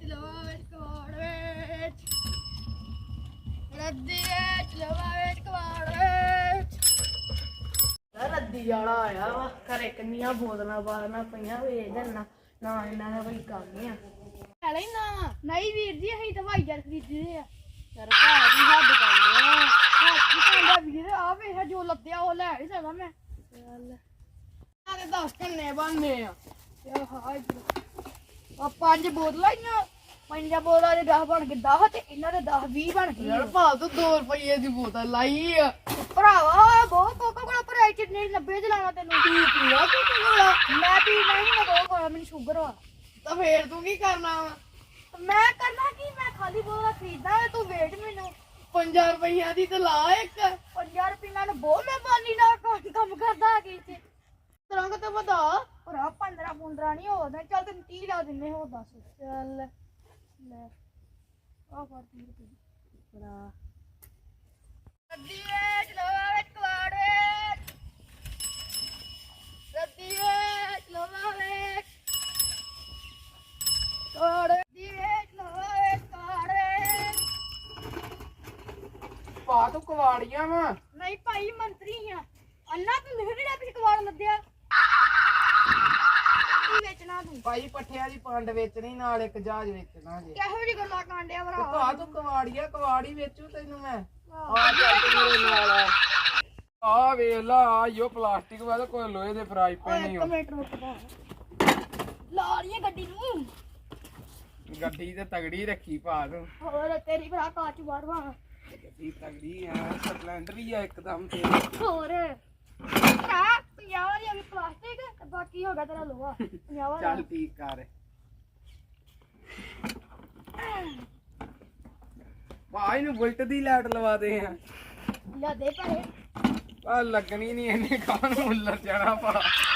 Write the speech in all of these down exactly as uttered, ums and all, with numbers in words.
ਲਵਾ ਵਿੱਚ ਕਵਾੜ ਵਿੱਚ ਰੱਦੀ ਵਿੱਚ ਲਵਾ ਵਿੱਚ ਕਵਾੜ ਵਿੱਚ ਰੱਦੀ ਵਾਲਾ ਆਇਆ ਵਾ ਘਰੇ ਕਿੰਨੀਆਂ ਬੋਤਲਾਂ ਬਾਲਣਾ ਪਈਆਂ ਵੇਚ ਦੇਣਾ ਨਾ ਇਹਨਾਂ ਦਾ ਕੋਈ ਕੰਮ ਆ ਹੈਲੇ ਨਾ ਨਹੀਂ ਵੀਰ ਜੀ ਅਸੀਂ ਦਵਾਈ ਜਰ ਖਰੀਦਦੇ ਆ ਯਾਰ ਘਰ ਦੀ ਹੱਦ ਕਰਦੇ ਆ ਹੱਦ ਕਹਿੰਦਾ ਵੀਰ ਆ ਵੇਖ ਜੋ ਲੱਦਿਆ ਉਹ ਲੈ ਨਹੀਂ ਸਕਦਾ ਮੈਂ ਚੱਲ ਆ ਤੇ ਦਸ ਕੰਨੇ ਬਣਨੇ ਆ ਯਾ ਹਾਏ ਆ ਪੰਜ ਬੋਤਲਾਂ ਆਈਆਂ ਪੰਜਾਂ ਬੋਤਲਾਂ ਦੇ ਦਸ ਬਣ ਕੇ ਦਸ ਤੇ ਇਹਨਾਂ ਦੇ ਦਸ ਵੀਹ ਬਣ ਗਏ ਯਾਰ ਭਾ ਤੂੰ ਦੋ ਰੁਪਏ ਦੀ ਬੋਤਲ ਲਾਈ ਆ ਭਰਾਵਾ ਬਹੁਤ ਕੋਕਾ ਕੋਲਾ ਭਰਾਈ ਚਿੰਨੀ ਨੱਬੇ ਚ ਲਾਣਾ ਤੈਨੂੰ ਪੀ ਪੀਆ ਤੂੰ ਕੋਲਾ ਮੈਂ ਪੀ ਨਹੀਂ ਮੈਂ ਦੋ ਕੋਲਾ ਮੈਨੂੰ ਸ਼ੂਗਰ ਆ ਤਾਂ ਫੇਰ ਤੂੰ ਕੀ ਕਰਨਾ ਵਾ ਮੈਂ ਕਰਨਾ ਕੀ ਮੈਂ ਖਾਲੀ ਬੋਤਲਾਂ ਖਰੀਦਦਾ ਤੂੰ ਵੇਟ ਮੈਨੂੰ ਪੰਜਾਂ ਰੁਪਈਆਂ ਦੀ ਤੇ ਲਾ ਇੱਕ ਪੰਜਾਂ ਰੁਪਈਆਂ ਨੂੰ ਬਹੁਤ ਮੈਂ ਬਾਨੀ ਨਾਲ ਕੰਮ ਕਰਦਾ ਆ ਗਈ ਤੇ ਤਰੰਗ ਤੇ ਵਧਾ ਭਰਾ ਪੰਦਰਾਂ ਪੰਦਰਾਂ ਨਹੀਂ ਹੋਦਾ ਚੱਲ ਤੈਨੂੰ ਤੀਹ ਲਾ ਦਿੰਨੇ ਹੋ ਦੱਸ ਚੱਲ ਲੈ ਆ ਫੜ ਤੀਹ ਰੁਪਏ ਭਰਾ ਰੱਦੀ ਵੇਚ ਲਵਾ ਵਿੱਚ ਕਵਾੜ ਵਿੱਚ ਰੱਦੀ ਵੇਚ ਲਵਾ ਵਿੱਚ ਕਵਾੜ ਰੱਦੀ ਵੇਚ ਲਵਾ ਵਿੱਚ ਕਵਾੜ ਵਿੱਚ ਪਾ ਤੂੰ ਕਵਾੜੀਆਂ ਵਾ ਨਹੀਂ ਭਾਈ ਮੰਤਰੀ ਆ ਅੰਨਾ ਤੂੰ ਮੇਰੇ ਨਾਲ ਪਿੱਛੇ ਕਵਾੜ ਲੱਦਿਆ ਕੀ ਵੇਚਣਾ ਤੂੰ ਭਾਈ ਪੱਠਿਆਂ ਦੀ ਪੰਡ ਵੇਚਣੀ ਨਾਲ ਇੱਕ ਜਹਾਜ਼ ਵੇਚਣਾ ਜੇ ਕਿਹੋ ਜਿਹੀ ਗੱਲਾਂ ਕਾਂਡਿਆ ਭਰਾ ਪਾ ਤੂੰ ਕਵਾੜੀਆ ਕਵਾੜੀ ਵੇਚੂ ਤੈਨੂੰ ਮੈਂ ਆ ਚੱਲ ਤੂੰ ਮੇਰੇ ਨਾਲ ਆ ਆ ਵੇਖ ਲਾ ਆਇਓ ਪਲਾਸਟਿਕ ਵਾਲਾ ਕੋਈ ਲੋਹੇ ਦੇ ਫਰਾਈ ਪੈਨ ਨਹੀਂ ਇੱਕ ਮਿੰਟ ਰੁਕ ਪਾ ਲਾ ਰਹੀ ਹੈ ਗੱਡੀ ਨੂੰ ਗੱਡੀ ਤੇ ਤਗੜੀ ਰੱਖੀ ਪਾ ਤੂੰ ਹੋਰ ਤੇਰੀ ਭਰਾ ਕਾਚ ਬਾੜਵਾ ਗੱਡੀ ਤਗੜੀ ਆ ਸਪਲੈਂਡਰ ਹੀ ਆ ਇੱਕਦਮ ਤੇ ਹੋਰ ਭਰਾ ਪੰਜਾਹ ਵਾਲੀ ਅਭੀ ਪਲਾਸਟਿਕ ਤੇ ਬਾਕੀ ਹੋ ਗਿਆ ਤੇਰਾ ਲੋਹਾ ਪੰਜਾਹ ਵਾਲਾ ਚੱਲ ਠੀਕ ਕਰ ਭਾਈ ਨੂੰ ਬੁਲਟ ਦੀ ਲਾਈਟ ਲਵਾ ਦੇ ਆ ਲੈ ਦੇ ਭਰੇ ਆ ਲੱਗਣੀ ਨਹੀਂ ਇਹਨੇ ਕਾਹਨ ਮੁੱਲਰ ਜਾਣਾ ਪਾ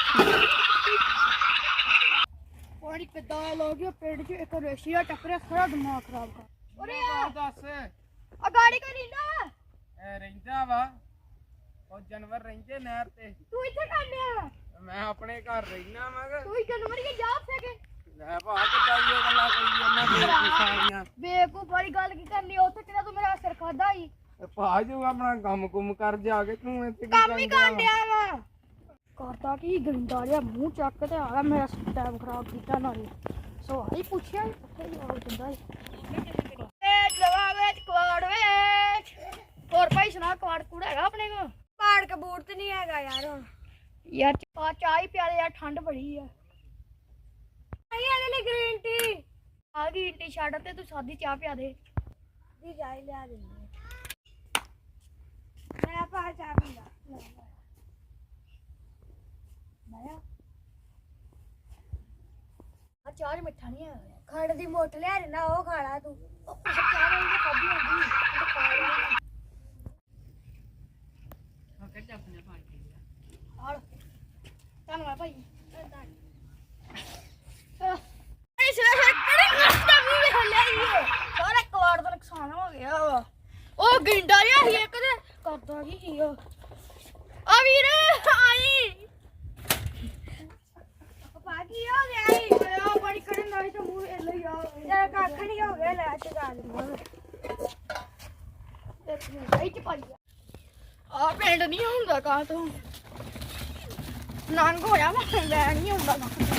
ਪਾਣੀ ਕਿੱਦਾਂ ਲੋ ਗਿਆ ਪਿੰਡ 'ਚ ਇੱਕ ਰੇਸ਼ੀਆ ਟੱਕਰਿਆ ਸਾਰਾ ਦਿਮਾਗ ਖਰਾਬ ਕਰ ਉਰੇ ਆ ਦੱਸ ਆ ਗਾੜੀ ਕਰੀ ਨਾ ਇਹ ਰਹਿੰਦਾ ਵਾ ਉਹ ਜਾਨਵਰ ਰਹਿੰਦੇ ਨਹਿਰ ਤੇ ਤੂੰ ਇੱਥੇ ਕਾਂਡਿਆ ਮੈਂ ਆਪਣੇ ਘਰ ਰਹਿਣਾ ਵਾਂਗਾ ਤੂੰ ਹੀ ਜਾਨਵਰ ਹੀ ਜਾ ਸਕੇ ਲੈ ਭਾ ਕਿੱਦਾਂ ਇਹ ਗੱਲਾਂ ਕਰੀ ਜਾਂਦਾ ਬੇਵਕੂਫ ਸਾਰੀਆਂ ਬੇਵਕੂਫ ਵਾਲੀ ਗੱਲ ਕੀ ਕਰਨੀ ਉੱਥੇ ਕਿਹੜਾ ਤੂੰ ਮੇਰਾ ਸਿਰ ਖਾਦਾ ਹੀ ਭਾ ਜੋ ਆਪਣਾ ਕੰਮ ਕੁਮ ਕਰ ਜਾ ਕੇ ਤੂੰ ਇੱਥੇ ਕੀ ਕੰਮ ਹੀ ਕਰਦਾ ਕਾਂਡਿਆ ਵਾ ਕਰਦਾ ਕੀ ਗੰਦਾ ਜਿਹਾ ਮੂੰਹ ਚੱਕ ਤੇ ਆ ਮੇਰਾ ਟਾਈਮ ਖਰਾਬ ਕੀਤਾ ਨਾਲੇ ਸਵਾਲ ਪੁੱਛਿਆ ਉੱਥੇ ਹੀ ਆ ਜਾਂਦਾ ਵੇਚ ਲਵਾ ਵੇਚ ਕਵਾੜ ਵੇਚ ਹੋਰ ਭਾਈ ਸੁਣਾ ਕਵਾੜ ਕੂੜ ਹੈਗਾ ਆਪਣੇ ਕੋਲ ਪਾੜ ਕਬੂਰ ਤੇ ਨਹੀਂ ਹੈਗਾ ਯਾਰ ਹੁਣ ਯਾਰ ਚਾਹ ਚਾਹ ਹੀ ਪਿਆਲੇ ਯਾਰ ਠੰਡ ਬੜੀ ਆ ਨਹੀਂ ਇਹਦੇ ਲਈ ਗ੍ਰੀਨ ਟੀ ਆ ਗ੍ਰੀਨ ਟੀ ਛੱਡ ਤੇ ਤੂੰ ਸਾਦੀ ਚਾਹ ਪਿਆ ਦੇ ਦੀ ਜਾਈ ਲਿਆ ਦਿੰਦੀ ਮੈਂ ਪਾ ਚਾਹ ਪੀਂਦਾ ਮੈਂ ਆ ਚਾਹ ਮਿੱਠਾ ਨਹੀਂ ਆ ਖੰਡ ਦੀ ਮੋਟ ਲਿਆ ਨਾ ਉਹ ਖਾਣਾ ਤੂੰ ਚਾਹ ਨਾਲ ਦੀ ਕਦੀ ਹੁੰਦੀ ਖਾ ਲੈ ਕੱਢ ਆਪਣੇ ਪਾਣੀ ਹਾਲ ਧੰਨਵਾਦ ਭਾਈ ਇਸ ਵੇਲੇ ਕਿਹੜੀ ਨਸਤਾ ਵੀ ਵੇਖ ਲਿਆ ਸਾਰਾ ਕਵਾੜ ਦਾ ਨੁਕਸਾਨ ਹੋ ਗਿਆ ਵਾ ਉਹ ਗਿੰਡਾ ਜਿਹਾ ਸੀ ਇੱਕ ਤੇ ਕਰਦਾ ਕੀ ਸੀ ਉਹ ਆ ਵੀਰ ਆਈ ਪਾ ਕੀ ਹੋ ਗਿਆ ਈ ਆ ਬੜੀ ਕਰਨ ਨਾਲ ਤੇ ਮੂੰਹ ਇਹ ਲਈ ਆ ਯਾਰ ਕੱਖ ਨਹੀਂ ਹੋ ਗਿਆ ਲੈ ਚ ਗਾ ਲਈ ਤੇ ਸਹੀ ਚ ਪਾਈ ਆ ਪਿੰਡ ਨਹੀਂ ਹੁੰਦਾ ਕਾ ਤੂੰ ਨੰਗ ਹੋਇਆ ਮੈਂ ਲੈ ਨਹੀਂ ਹੁੰਦਾ